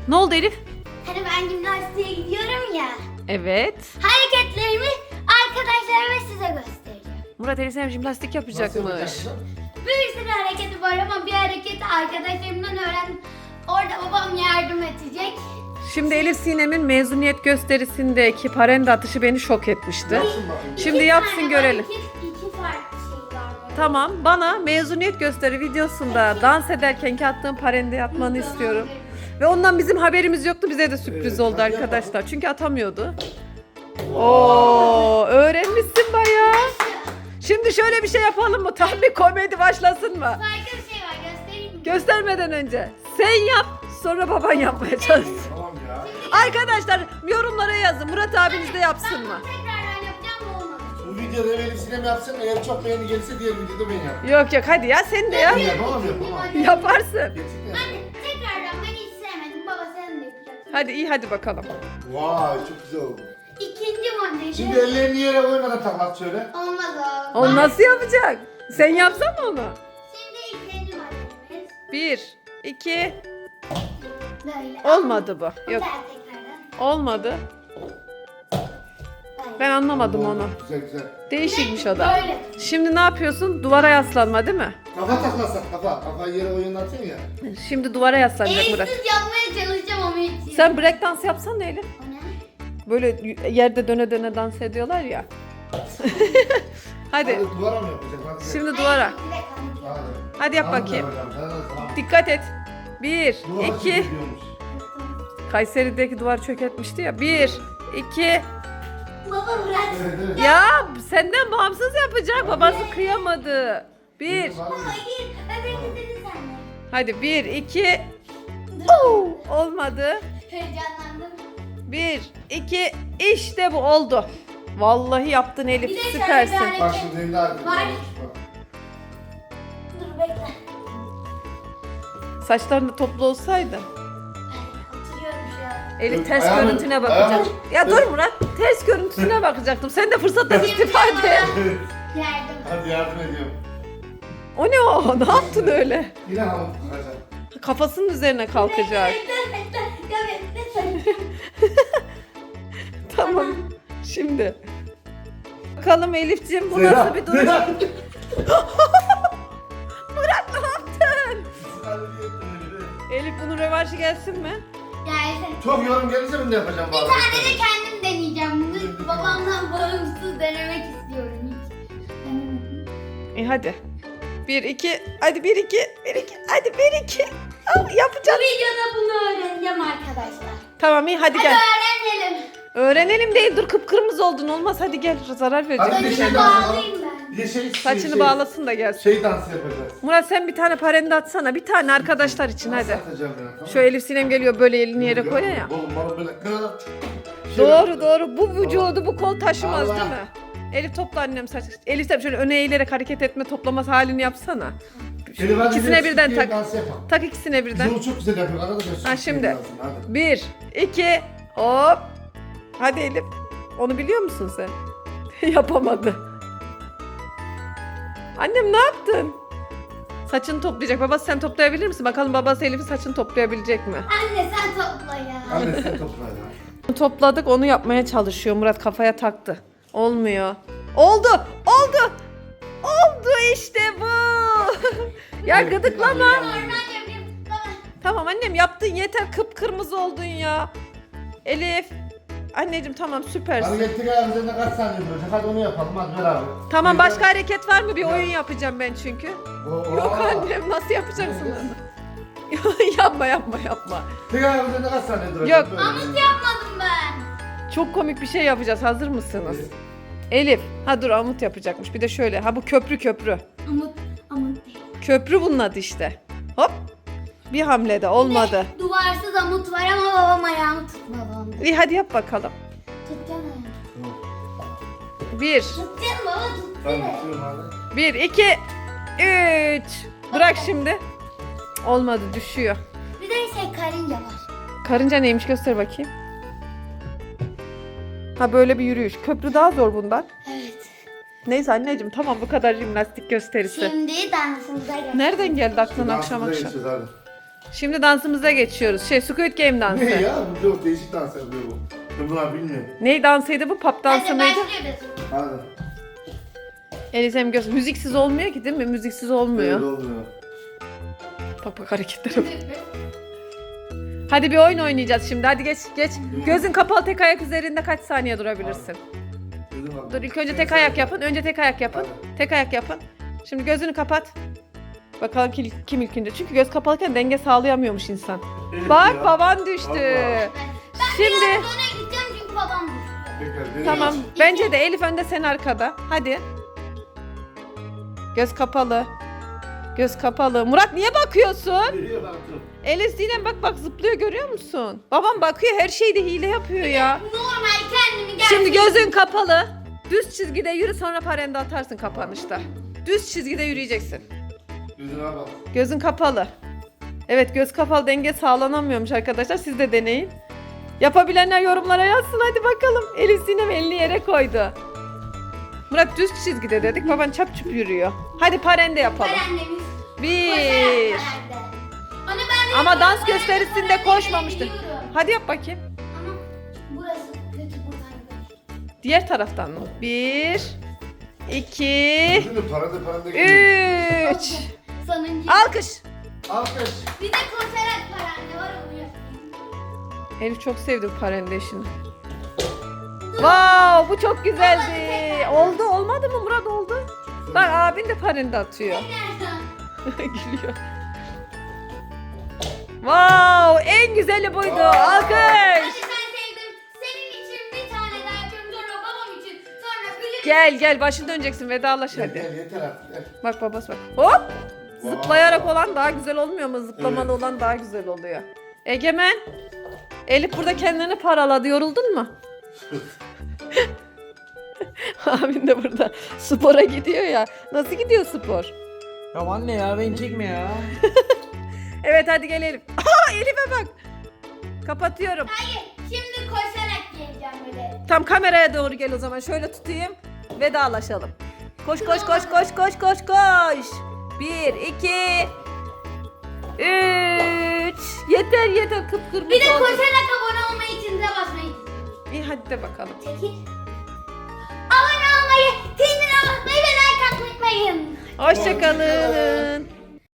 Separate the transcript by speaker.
Speaker 1: Ne oldu Elif?
Speaker 2: Hani ben jimnastiğe gidiyorum ya.
Speaker 1: Evet.
Speaker 2: Hareketlerimi arkadaşlarıma size göstereceğim.
Speaker 1: Murat Elif Sinem jimnastik yapacakmış.
Speaker 2: Bir sürü hareketi var ama bir hareketi arkadaşlarımdan öğrendim. Orada babam yardım edecek.
Speaker 1: Şimdi Elif Sinem'in mezuniyet gösterisindeki parende atışı beni şok etmişti. Şimdi yapsın görelim.
Speaker 2: İki farklı şey var.
Speaker 1: Tamam, bana mezuniyet gösteri videosunda dans ederkenki attığım parende atmanı istiyorum. Ve ondan bizim haberimiz yoktu. Bize de sürpriz oldu
Speaker 3: hadi
Speaker 1: arkadaşlar. Çünkü atamıyordu. Oo, öğrenmişsin bayağı. Şimdi şöyle bir şey yapalım mı? Tam bir komedi başlasın mı?
Speaker 2: Farklı bir şey var, göstereyim mi?
Speaker 1: Göstermeden önce sen yap, sonra baban yapmaya çalışsın.
Speaker 3: Tamam ya.
Speaker 1: Arkadaşlar yorumlara yazın. Murat abiniz de yapsın mı?
Speaker 2: Ben tekrardan yapacağım mı olmadı?
Speaker 3: Bu videoda Elif Sinem yapsın. Eğer çok beğeni gelirse diğer videoda ben yaparım.
Speaker 1: Yok yok hadi ya sen de yap.
Speaker 3: Ben yapamam yapamam.
Speaker 1: Yaparsın.
Speaker 3: Gerçekten.
Speaker 2: Hadi tekrardan ben hiç sevmedim. Baba sen de yapacaksın.
Speaker 1: Hadi iyi hadi bakalım.
Speaker 3: Vay çok güzel oldu.
Speaker 2: İkinci modeli.
Speaker 3: Şimdi ellerini yere koymadan taklat şöyle.
Speaker 2: Olmaz o.
Speaker 1: O nasıl yapacak? Sen yapsan mı onu?
Speaker 2: Şimdi ikinci modelimiz.
Speaker 1: 1, 2,
Speaker 2: Böyle.
Speaker 1: olmadı bu. Yok
Speaker 2: Güzel tekrardan.
Speaker 1: olmadı.
Speaker 2: Böyle.
Speaker 1: Ben anlamadım onu.
Speaker 3: Güzel güzel.
Speaker 1: Değişikmiş o da.
Speaker 2: Böyle.
Speaker 1: Şimdi ne yapıyorsun? Duvara yaslanma değil mi?
Speaker 3: Kafa taklatsak kafa. Kafayı yere oynatıyorsun ya.
Speaker 1: Şimdi duvara yaslanacak Murat.
Speaker 2: Eğitsiz yapmaya çalışacağım ama hiç.
Speaker 1: Sen break dans yapsana Elif.
Speaker 2: O ne?
Speaker 1: Böyle yerde döne döne dans ediyorlar ya. Hadi.
Speaker 3: Hadi duvara mı yapacaksın? Hadi.
Speaker 1: Şimdi duvara.
Speaker 2: Bir dakika.
Speaker 3: Hadi.
Speaker 1: Hadi yap
Speaker 3: Tamam,
Speaker 1: bakayım.
Speaker 3: tamam.
Speaker 1: Dikkat et. 1,
Speaker 3: Duvara
Speaker 1: 2.
Speaker 3: çekiliyormuş.
Speaker 1: Kayseri'deki duvar çökertmişti ya. 1, 2.
Speaker 2: Baba bırak.
Speaker 3: Evet evet.
Speaker 1: Ya senden bağımsız yapacak. Babası kıyamadı. 1.
Speaker 2: Hayır. Öbürünü sen de.
Speaker 1: Hadi 1, 2. Olmadı.
Speaker 2: Heyecanlandım.
Speaker 1: 1, 2. İşte bu oldu. Vallahi yaptın
Speaker 2: Bir
Speaker 1: Elif.
Speaker 2: de şöyle
Speaker 1: Süpersin.
Speaker 2: bir hareket.
Speaker 3: Bak şimdi elinde hareket
Speaker 2: Var.
Speaker 3: varmış, bak.
Speaker 2: Dur bekle.
Speaker 1: Saçların da toplu olsaydı.
Speaker 2: Oturuyorum şu an.
Speaker 1: Elif
Speaker 3: Dur,
Speaker 1: ters
Speaker 3: ayağımı-
Speaker 1: görüntüne bakacak.
Speaker 3: ayağımı-
Speaker 1: Ya dur Murat. Ters görüntüsüne bakacaktım. Sen de fırsattan istifade.
Speaker 2: Yardım.
Speaker 3: Hadi yardım ediyorum.
Speaker 1: O ne o? Ne yaptın öyle?
Speaker 3: Yine hamur takacak.
Speaker 1: Kafasının üzerine kalkacak.
Speaker 2: Bekle bekle. Ya bekle.
Speaker 1: Tamam. Şimdi. Bakalım Elif'ciğim bu
Speaker 3: Zehra,
Speaker 1: nasıl bir durum?
Speaker 3: Zehra.
Speaker 1: Murat ne yaptın? Elif bunun rövanşı gelsin mi?
Speaker 2: Gelsin.
Speaker 3: Çok yorum gelirse ben de yapacağım.
Speaker 2: Bir tane de kendim deneyeceğim. Bunu babamdan bağımsız denemek istiyorum hiç. Denemedim.
Speaker 1: Hadi. 1 2 hadi 1 2 1 2 hadi 1 2.
Speaker 2: Bu
Speaker 1: Yapacağım.
Speaker 2: videoda bunu öğreneceğim arkadaşlar.
Speaker 1: Tamam iyi hadi
Speaker 2: Hadi
Speaker 1: gel.
Speaker 2: öğrenelim.
Speaker 1: Öğrenelim değil dur kıpkırmızı oldun olmaz hadi gel zarar
Speaker 3: Hadi
Speaker 1: verecek.
Speaker 3: bir
Speaker 2: Saçını
Speaker 3: şey daha
Speaker 2: bağlayayım ben.
Speaker 3: Bir de
Speaker 1: Saçını bağlasın da gelsin.
Speaker 3: Şey dansı yapacağız.
Speaker 1: Murat sen bir tane parende atsana bir tane arkadaşlar için
Speaker 3: Nasıl
Speaker 1: hadi.
Speaker 3: atacağım ben, tamam?
Speaker 1: Şu Elif Sinem geliyor böyle elini yere koyuyor ya.
Speaker 3: Oğlum bana böyle...
Speaker 1: Doğru doğru bu vücudu bu kol taşımaz
Speaker 3: Allah.
Speaker 1: değil mi? Elif topla annem saç. Elif sen şöyle öne eğilerek hareket etme toplaması halini yapsana. İkisine birden tak.
Speaker 3: Dans yapalım.
Speaker 1: Tak ikisine birden.
Speaker 3: Yolu çok güzel yapıyor arkadaşlar.
Speaker 1: Ha, şimdi.
Speaker 3: Dansını, hadi.
Speaker 1: 1, 2, hop. Hadi Elif. Onu biliyor musun sen? Yapamadı. Annem ne yaptın? Saçını toplayacak. Babası sen toplayabilir misin? Bakalım babası Elif'in saçını toplayabilecek mi?
Speaker 2: Anne sen topla ya.
Speaker 3: Anne sen topla ya.
Speaker 1: Topladık onu yapmaya çalışıyor. Murat kafaya taktı. Olmuyor. Oldu. Oldu. Oldu işte bu. Ya
Speaker 3: Evet,
Speaker 1: gıdıklama.
Speaker 3: biraz
Speaker 2: Normal yapayım. Baba.
Speaker 1: Tamam annem yaptın yeter kıpkırmızı oldun ya. Elif. Anneciğim tamam süpersin.
Speaker 3: Hareketli ayağımızda kaç saniye duracak? Hadi onu yapalım hadi beraber.
Speaker 1: Tamam
Speaker 3: Bir
Speaker 1: başka
Speaker 3: de-
Speaker 1: hareket var mı? Bir oyun yapacağım ben çünkü. Yok annem nasıl yapacaksın onu? yapma yapma yapma.
Speaker 3: Tek ayağımızda kaç saniye duracak?
Speaker 1: Yok.
Speaker 3: Böyle.
Speaker 2: Amut yapmadım ben.
Speaker 1: Çok komik bir şey yapacağız. Hazır mısınız? Elif. Ha dur Amut yapacakmış. Bir de şöyle. Ha bu köprü.
Speaker 2: Amut değil.
Speaker 1: Köprü bunun adı işte. Hop. Bir hamlede olmadı.
Speaker 2: Duvarsız amut var ama babam ayağımı tutmadı onda.
Speaker 1: İyi hadi yap bakalım.
Speaker 2: Tutacaksın ayağımı.
Speaker 1: 1,
Speaker 2: Tutacaksın baba
Speaker 3: Tamam
Speaker 2: tutsana.
Speaker 3: tutuyorum hadi.
Speaker 1: 1, 2, 3. Bırak şimdi. Cık, olmadı düşüyor.
Speaker 2: Bir de karınca var.
Speaker 1: Karınca neymiş göster bakayım. Ha böyle bir yürüyüş. Köprü daha zor bundan.
Speaker 2: Evet.
Speaker 1: Neyse anneciğim tamam bu kadar jimnastik gösterisi.
Speaker 2: Şimdi dansımıza gel.
Speaker 1: Nereden geldi aklına akşam
Speaker 3: Dansımıza
Speaker 1: akşam?
Speaker 3: geçeceğiz, hadi.
Speaker 1: Şimdi dansımıza geçiyoruz. Squid Game dansı.
Speaker 3: Ne ya? Bu çok değişik dans yapıyor bu. Ben bunlar bilmiyorum.
Speaker 1: Ney dansıydı bu? Pop dansı
Speaker 2: Hadi
Speaker 1: mıydı?
Speaker 2: başlıyoruz.
Speaker 3: Hadi.
Speaker 1: Elizem göz. Müziksiz olmuyor ki değil mi? Müziksiz olmuyor.
Speaker 3: Öyle olmuyor.
Speaker 1: Bak bak hareketlere bak. Hadi bir oyun oynayacağız şimdi. Hadi geç geç. Gözün kapalı tek ayak üzerinde kaç saniye durabilirsin?
Speaker 3: Dedim bak.
Speaker 1: Dur ilk önce tek ayak yapın. Önce tek ayak yapın. Tek ayak yapın. Şimdi gözünü kapat. Bakalım kim ilk önce. Çünkü göz kapalıyken denge sağlayamıyormuş insan.
Speaker 3: Evet
Speaker 1: Bak
Speaker 3: ya.
Speaker 1: baban düştü.
Speaker 3: Vallahi.
Speaker 1: Şimdi
Speaker 2: Biraz öne gideceğim çünkü babam düştü.
Speaker 3: Tekrar deneyelim.
Speaker 1: tamam. Bence de Elif önde, sen arkada. Hadi. Göz kapalı. Göz kapalı. Murat niye bakıyorsun?
Speaker 3: Geliyor baktım.
Speaker 1: Elif Sinem bak zıplıyor, görüyor musun? Babam bakıyor, her şeyde hile yapıyor ya.
Speaker 2: Normal kendimi gerçekten.
Speaker 1: Şimdi gözün kapalı. Düz çizgide yürü, sonra parende atarsın kapanışta. Düz çizgide yürüyeceksin.
Speaker 3: Gözüne bak.
Speaker 1: Gözün kapalı. Evet, göz kapalı denge sağlanamıyormuş arkadaşlar. Siz de deneyin. Yapabilenler yorumlara yazsın, hadi bakalım. Elif Sinem elini yere koydu. Murat düz çizgide dedik. Baban çap çup yürüyor. Hadi parende yapalım.
Speaker 2: Parendemiz.
Speaker 1: Bir.
Speaker 2: Koşarak parende. Onu ben de
Speaker 1: Ama dans
Speaker 2: parende
Speaker 1: gösterisinde
Speaker 2: parende
Speaker 1: koşmamıştın.
Speaker 2: biliyorum.
Speaker 1: Hadi yap bakayım.
Speaker 2: Ama burası kötü buradan gider.
Speaker 1: Diğer taraftan mı? 1 2
Speaker 3: Gözünü paranda geliyor.
Speaker 1: 3.
Speaker 2: Sonuncu.
Speaker 1: Alkış.
Speaker 3: Alkış.
Speaker 2: Bir de koşarak parende var onu yapayım.
Speaker 1: Elif çok sevdi bu parende işini. Wow, bu çok güzeldi. Oldu, olmadı mı Murat, oldu? Bak abin de parende atıyor.
Speaker 2: Nereden?
Speaker 1: Gülüyor. Wow, en güzeli buydu.
Speaker 3: Wow.
Speaker 1: Alkış.
Speaker 2: Hadi sen sevdim. Senin için bir tane daha yapıyorum. Sonra babam için. Sonra Gülüm.
Speaker 1: Gel başın döneceksin, vedalaş
Speaker 3: Gel
Speaker 1: hadi.
Speaker 3: gel yeter artık gel.
Speaker 1: Bak babası bak. Hop.
Speaker 3: Wow.
Speaker 1: Zıplayarak olan daha güzel olmuyor mu? Zıplamalı
Speaker 3: Evet.
Speaker 1: olan daha güzel oluyor. Egemen. Elif burada kendini paraladı. Yoruldun mu? Abin de burada spora gidiyor ya. Nasıl gidiyor spor?
Speaker 4: Ya anne ya beni çekme ya.
Speaker 1: Evet hadi gel Elif. Aa, Elif'e bak. Kapatıyorum.
Speaker 2: Hayır. Şimdi koşarak geleceğim böyle.
Speaker 1: Tam kameraya doğru gel o zaman. Şöyle tutayım. Vedalaşalım. Koş. 1 2 3. Yeter kıpkırmızı
Speaker 2: Bir de
Speaker 1: oldu.
Speaker 2: koşarak abone olmayı için de basmayı.
Speaker 1: İyi hadi de bakalım.
Speaker 2: Çekil. Abone olmayı, zilini basmayı ve like atmayı unutmayın.
Speaker 1: Hoşçakalın.